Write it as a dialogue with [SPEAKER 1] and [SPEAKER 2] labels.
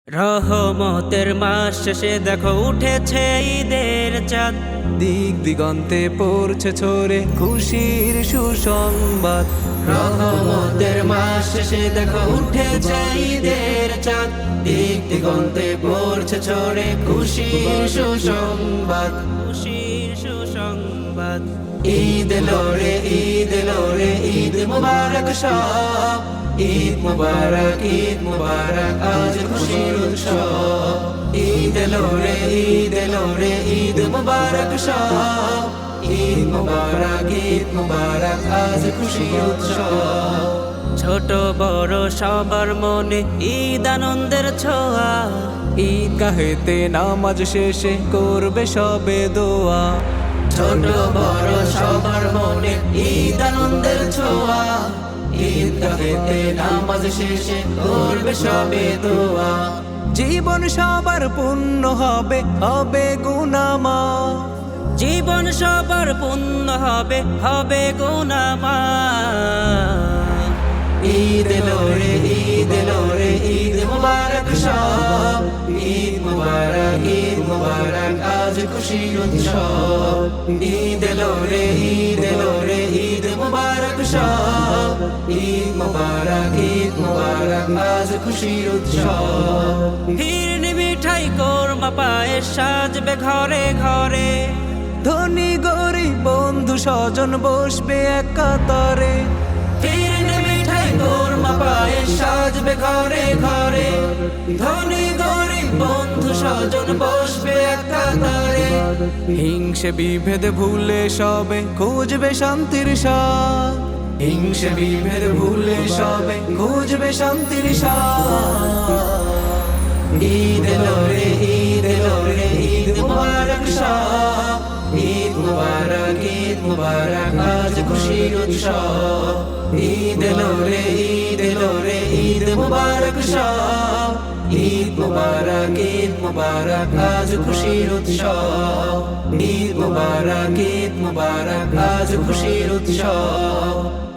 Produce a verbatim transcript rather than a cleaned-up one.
[SPEAKER 1] রহমতের মাস শেষে দেখো উঠেছে ঈদের চাঁদ।
[SPEAKER 2] দিক দিগন্তে পড়ছে ছড়ে খুশির সুসংবাদ।
[SPEAKER 1] রহমতের মাস শেষে দেখো উঠেছে ঈদের চাঁদ। দিক দিগন্তে পড়ছে ছড়ে খুশির সুসংবাদ, খুশির সুসংবাদ। ঈদ এলো রে, ঈদ এলো রে, ঈদ মুবারক সব। ঈদ মুবারক, ঈদ মুবারক, আজ খুশির উৎসব। ঈদ এলো রে, ঈদ এলো রে, ঈদ মুবারক সব। ঈদ মুবারক, ঈদ মুবারক, আজ খুশির উৎসব। ছোট বড় সবার মনে ঈদ আনন্দের ছোঁয়া।
[SPEAKER 2] ঈদ গাহেতে নামাজ শেষে করবে সবে দোয়া।
[SPEAKER 1] ছোট বড় সবার মনে ঈদ আনন্দের ছোঁয়া। ঈদ গাহেতে নামাজ শেষে করবে সবে দোয়া।
[SPEAKER 2] জীবন সবার পূর্ণ হবে, হবে গুনামা।
[SPEAKER 1] জীবন সবার পূর্ণ হবে, হবে গুনামা। ঈদ এলো রে, ঈদ এলো রে, ঈদ মুবারক সব। ঈদ মুবারক, ঈদ মুবারক, আজ খুশির উৎসব। ঈদ এলো রে, ঈদ এলো রে, ঈদ মুবারক সব। ঈদ মুবারক, ঈদ মুবারক, আজ খুশির উৎসব। ফিরনি মিঠাই কোরমা পায়েস সাজবে ঘরে ঘরে।
[SPEAKER 2] ধনী গরিব বন্ধু স্বজন বসবে এক কাতারে।
[SPEAKER 1] ফিরনি মিঠাই কোরমা পায়েস সাজবে ঘরে ঘরে। ধনী গরিব বন্ধু স্বজন বসবে এক কাতারে।
[SPEAKER 2] হিংসে বিভেদ ভুলে সবে খুঁজবে শান্তির স্বাদ।
[SPEAKER 1] হিংসে বিভেদ ভুলে সবে খুঁজবে শান্তির স্বাদ। ঈদ এলো রে, ঈদ এলো রে, ঈদ মুবারক সব। ঈদ মুবারক, ঈদ মুবারক, আজ খুশির উৎসব। ঈদ এলো রে, ঈদ এলো রে, ঈদ মুবারক সব। ঈদ মুবারক, ঈদ মুবারক, আজ খুশির উৎসব। ঈদ মুবারক, ঈদ মুবারক, আজ খুশির উৎসব।